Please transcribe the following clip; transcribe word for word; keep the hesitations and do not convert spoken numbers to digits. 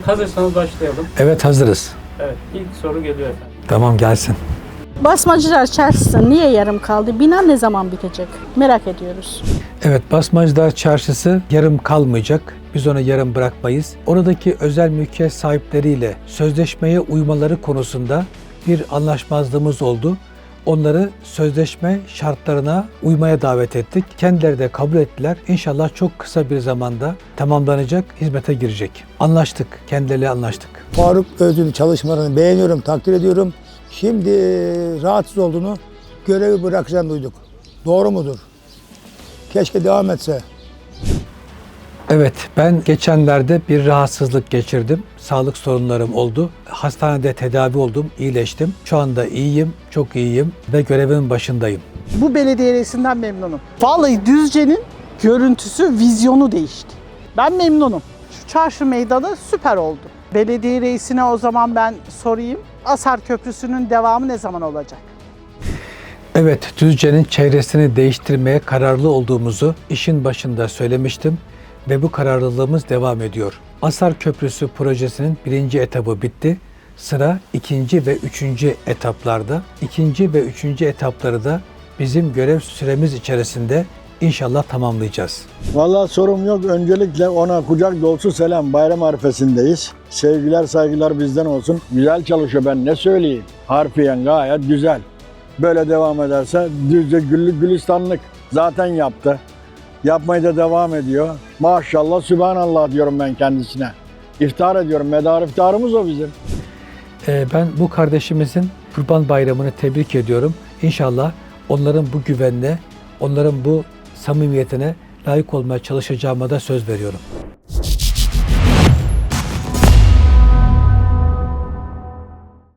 Hazırsanız başlayalım. Evet, hazırız. Evet, ilk soru geliyor efendim. Tamam, gelsin. Basmacılar Çarşısı niye yarım kaldı? Bina ne zaman bitecek? Merak ediyoruz. Evet, Basmacılar Çarşısı yarım kalmayacak. Biz onu yarım bırakmayız. Oradaki özel mülkiyet sahipleriyle sözleşmeye uymaları konusunda bir anlaşmazlığımız oldu. Onları sözleşme şartlarına uymaya davet ettik. Kendileri de kabul ettiler. İnşallah çok kısa bir zamanda tamamlanacak, hizmete girecek. Anlaştık, kendileriyle anlaştık. Faruk Özül'ün çalışmalarını beğeniyorum, takdir ediyorum. Şimdi rahatsız olduğunu, görevi bırakacağını duyduk. Doğru mudur? Keşke devam etse. Evet, ben geçenlerde bir rahatsızlık geçirdim. Sağlık sorunlarım oldu. Hastanede tedavi oldum, iyileştim. Şu anda iyiyim, çok iyiyim ve görevimin başındayım. Bu belediye reisinden memnunum. Vallahi Düzce'nin görüntüsü, vizyonu değişti. Ben memnunum. Şu çarşı meydanı süper oldu. Belediye reisine o zaman ben sorayım. Asar Köprüsü'nün devamı ne zaman olacak? Evet, Düzce'nin çevresini değiştirmeye kararlı olduğumuzu işin başında söylemiştim ve bu kararlılığımız devam ediyor. Asar Köprüsü projesinin birinci etabı bitti. Sıra ikinci ve üçüncü etaplarda. İkinci ve üçüncü etapları da bizim görev süremiz içerisinde inşallah tamamlayacağız. Vallahi sorum yok. Öncelikle ona kucak dolusu selam. Bayram arifesindeyiz. Sevgiler, saygılar bizden olsun. Güzel çalışıyor, ben ne söyleyeyim. Harfiyen gayet güzel. Böyle devam ederse Düzce güllük gülistanlık. Zaten yaptı. Yapmaya da devam ediyor. Maşallah, sübhanallah diyorum ben kendisine. İftihar ediyorum. Medar iftiharımız o bizim. Ee, ben bu kardeşimizin Kurban Bayramı'nı tebrik ediyorum. İnşallah onların bu güvenine, onların bu samimiyetine layık olmaya çalışacağıma da söz veriyorum.